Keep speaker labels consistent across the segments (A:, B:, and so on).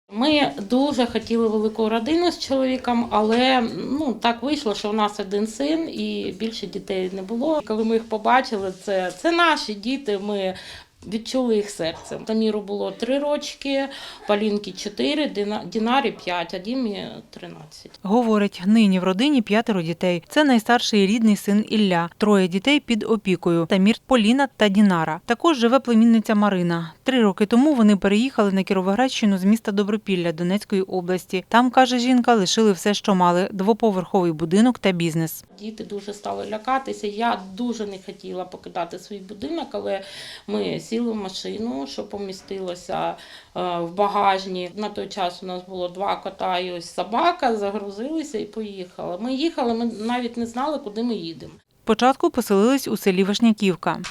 A: Ми дуже хотіли велику родину з чоловіком, але так вийшло, що в нас один син і більше дітей не було. Коли ми їх побачили, це наші діти, ми відчули їх серцем. Таміру було 3 рочки, Полінки 4, Дінарі 5, а Дімі 13.
B: Говорить, нині в родині 5 дітей. Це найстарший рідний син Ілля. 3 дітей під опікою – Тамір, Поліна та Дінара. Також живе племінниця Марина. 3 роки тому вони переїхали на Кіровоградщину з міста Добропілля Донецької області. Там, каже жінка, лишили все, що мали – 2-поверховий будинок та бізнес.
A: Діти дуже стали лякатися. Я дуже не хотіла покидати свій будинок, але ми сіли в машину, що помістилося в багажні. На той час у нас було 2 кота і ось собака, загрузилися і поїхали. Ми їхали, ми навіть не знали, куди ми їдемо.
B: Спочатку поселились у селі Вишняківка.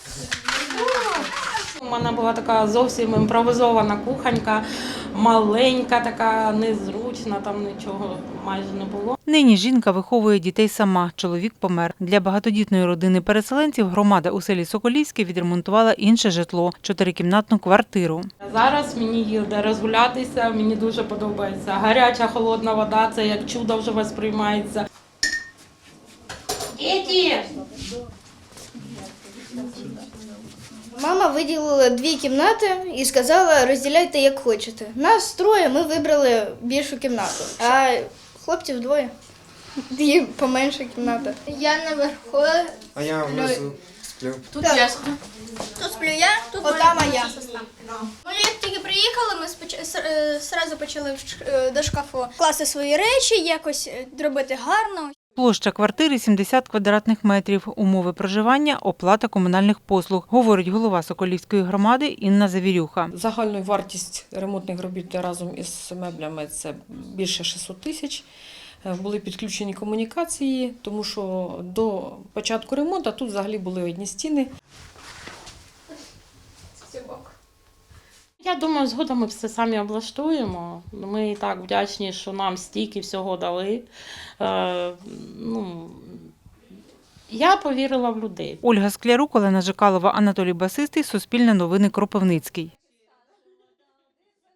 A: У мене була така зовсім імпровізована кухонька, маленька, така незручна, там нічого майже не було.
B: Нині жінка виховує дітей сама, чоловік помер. Для багатодітної родини переселенців громада у селі Соколівське відремонтувала інше житло – 4-кімнатну квартиру.
A: Зараз мені є де розгулятися, мені дуже подобається. Гаряча, холодна вода – це як чудо вже восприймається. Діти!
C: Мама виділила 2 кімнати і сказала, розділяйте як хочете. Нас 3, ми вибрали більшу кімнату, а хлопців 2. І поменша кімната.
D: Я наверху.
E: А я внизу сплю.
D: Тут я сплю. Тут сплю я, тут
C: Ота моя.
D: сестра. Ну, як тільки приїхали, ми одразу почали до шкафу класти свої речі, якось робити гарно.
B: Площа квартири – 70 квадратних метрів. Умови проживання – оплата комунальних послуг, говорить голова Соколівської громади Інна Завірюха.
F: Загальна вартість ремонтних робіт разом із меблями – це більше 600 тисяч. Були підключені комунікації, тому що до початку ремонту тут взагалі були одні стіни.
A: Я думаю, згодом ми все самі облаштуємо. Ми і так вдячні, що нам стільки всього дали. Я повірила в людей.
B: Ольга Склярук, Олена Жикалова, Анатолій Басистий, Суспільне новини, Кропивницький.